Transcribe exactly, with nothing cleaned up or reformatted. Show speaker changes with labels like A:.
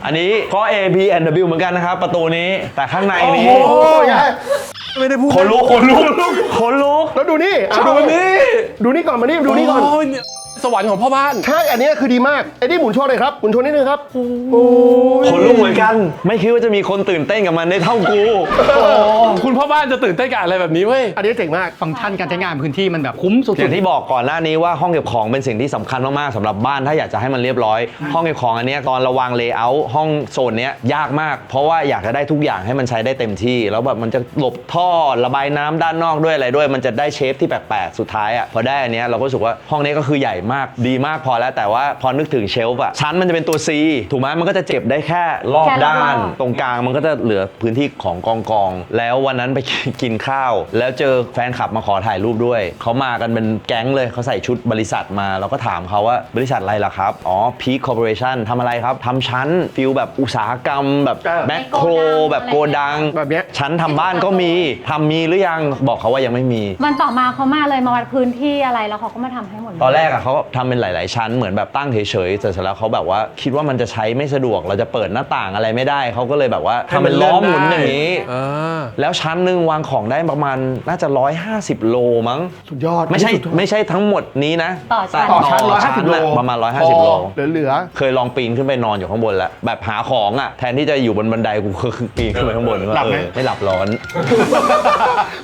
A: อันนี้ก็ A B and W เหมือนกันนะครับประตูนี้แต่ข้างในนี้
B: โอ้ยไม่ได้พูด
A: ขนลุกขนลุกขนลุก
B: แล้วดูนี่อ่ะ
C: ดู
B: ดู
C: นี่
B: ดูนี่ก่อนมานี่ดูนี่ก่อน
C: โยเนี่ยสวรรค์ของพ่อบ้าน
B: ใช่ อันนี้คือดีมากไอ้นี่หมุนโชว์เลยครับหมุนโชว์นิดนึงครับโอ้
A: ขนลุกเหมือนกัน ไม่คิดว่าจะมีคนตื่นเต้นกับมันได้เท่ากู
C: คุณพ่อบ้านจะตื่นเต้นกับอะไรแบบนี้เว้ย
B: อันนี้เจ๋งมาก
D: ฟังก์ชันการใช้งานพื้นที่มันแบบคุ้มสุด
A: อย่างที่บอกก่อนหน้านี้ว่าห้องเก็บของเป็นสิ่งที่สำคัญมากๆสำหรับบ้านถ้าอยากจะให้มันเรียบร้อย ห้องเก็บของอันเนี้ยตอนระวางเลเยอร์ห้องโซนเนี้ยยากมาก เพราะว่าอยากจะได้ทุกอย่างให้มันใช้ได้เต็มที่ แล้วแบบมันจะหลบท่อระบายน้ำด้านนอกด้วยอะไรด้วย มันจะได้เชฟที่แปลกๆสุดท้ายอ่ะพอได้อันเนี้ยเราก็รู้สึกว่าห้องนี้ก็คือใหญ่มากดีมากพอแล้วแต่ว่าพอนึกถึงเชลฟ์อะชั้นมันจะเป็นตัว C ถูกไหมมันก็จะเจ็บได้แค่รอบ
E: แค่รอบ
A: ด้าน
E: รอบ
A: ตรงกลางมันก็จะเหลือพื้นที่ของกองกองๆแล้ววันนั้นไป กินข้าว แล้วเจอแฟนคลับมาขอถ่ายรูปด้วย เขามากันเป็นแก๊งเลยเขาใส่ชุดบริษัทมา เราก็ถามเขาว่าบริษัทอะไรล่ะครับ อ๋อ Peak Corporation ทำอะไรครับทำชั้นฟิลแบบอุตสาหกรรมแบบ
B: เออ
A: แมคโครแบบโกดัง
B: แบบเนี้ย
A: ชั้นทำบ้านก็มีทำมีหรือยังบอกเขาว่ายังไม่มี
E: วันต่อมาเขามาเลยมาวัดพื้นที่อะไรแล้วเขาก็มาทำให้หมดเลย
A: ตอนแรกอะเขาทำเป็นหลาย ๆ ชั้นเหมือนแบบตั้งเฉย ๆ แต่เสร็จแล้วเขาแบบว่าคิดว่ามันจะใช้ไม่สะดวกเราจะเปิดหน้าต่างอะไรไม่ได้เขาก็เลยแบบว่าทำเป็นล้อหมุนอย่างนี้
C: อ่า
A: แล้วชั้นหนึ่งวางของได้ประมาณน่าจะร้อยห้าสิบโลมั้ง
B: สุดยอด
A: ไม่ใช่
B: สุดยอด
A: ไม่ใช่ทั้งหมดนี้นะ
E: ต่อชั้น
B: ต่อชั้นร้อยห้าสิบโล
A: น่ะประมาณร้อยห้าสิบโล
B: เหลือเหลือ
A: เคยลองปีนขึ้นไปนอนอยู่ข้างบนแล้วแบบหาของอ่ะแทนที่จะอยู่บนบันไดกูคือปีนขึ้นไปข้างบน
B: หลับไหม
A: เออไม่หลับร้อน